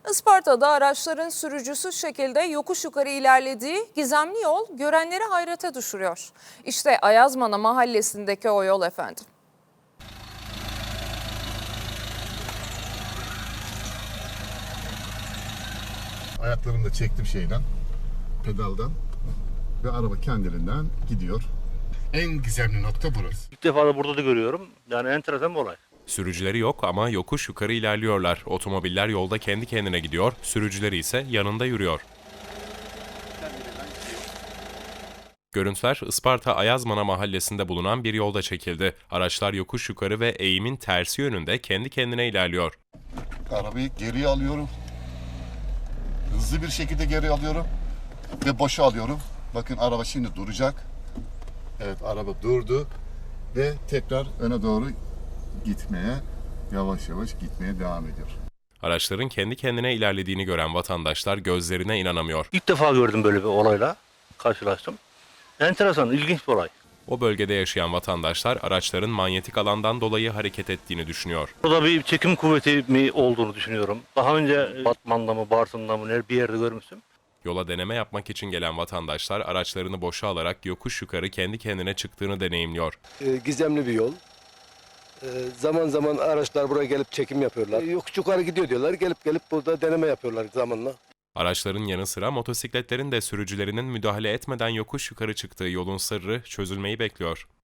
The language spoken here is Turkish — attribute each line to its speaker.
Speaker 1: Isparta'da araçların sürücüsüz şekilde yokuş yukarı ilerlediği gizemli yol görenleri hayrete düşürüyor. İşte Ayazmana mahallesindeki o yol efendim.
Speaker 2: Ayaklarımı da çektim pedaldan ve araba kendiliğinden gidiyor. En gizemli nokta burası.
Speaker 3: İlk defa da burada da görüyorum. Yani enteresan bir olay.
Speaker 4: Sürücüleri yok ama yokuş yukarı ilerliyorlar. Otomobiller yolda kendi kendine gidiyor, sürücüleri ise yanında yürüyor. Görüntüler Isparta Ayazmana mahallesinde bulunan bir yolda çekildi. Araçlar yokuş yukarı ve eğimin tersi yönünde kendi kendine ilerliyor.
Speaker 2: Arabayı geriye alıyorum. Hızlı bir şekilde geri alıyorum ve boşa alıyorum. Bakın araba şimdi duracak. Evet, araba durdu ve tekrar öne doğru yavaş yavaş gitmeye devam ediyor.
Speaker 4: Araçların kendi kendine ilerlediğini gören vatandaşlar gözlerine inanamıyor.
Speaker 3: İlk defa gördüm böyle bir olayla. Karşılaştım. Enteresan, ilginç bir olay.
Speaker 4: O bölgede yaşayan vatandaşlar araçların manyetik alandan dolayı hareket ettiğini düşünüyor.
Speaker 3: Burada bir çekim kuvveti mi olduğunu düşünüyorum. Daha önce Batman'da mı, Bartın'da mı bir yerde görmüştüm.
Speaker 4: Yola deneme yapmak için gelen vatandaşlar araçlarını boşa alarak yokuş yukarı kendi kendine çıktığını deneyimliyor.
Speaker 5: Gizemli bir yol. Zaman zaman araçlar buraya gelip çekim yapıyorlar. Yokuş yukarı gidiyor diyorlar. Gelip burada deneme yapıyorlar zamanla.
Speaker 4: Araçların yanı sıra motosikletlerin de sürücülerinin müdahale etmeden yokuş yukarı çıktığı yolun sırrı çözülmeyi bekliyor.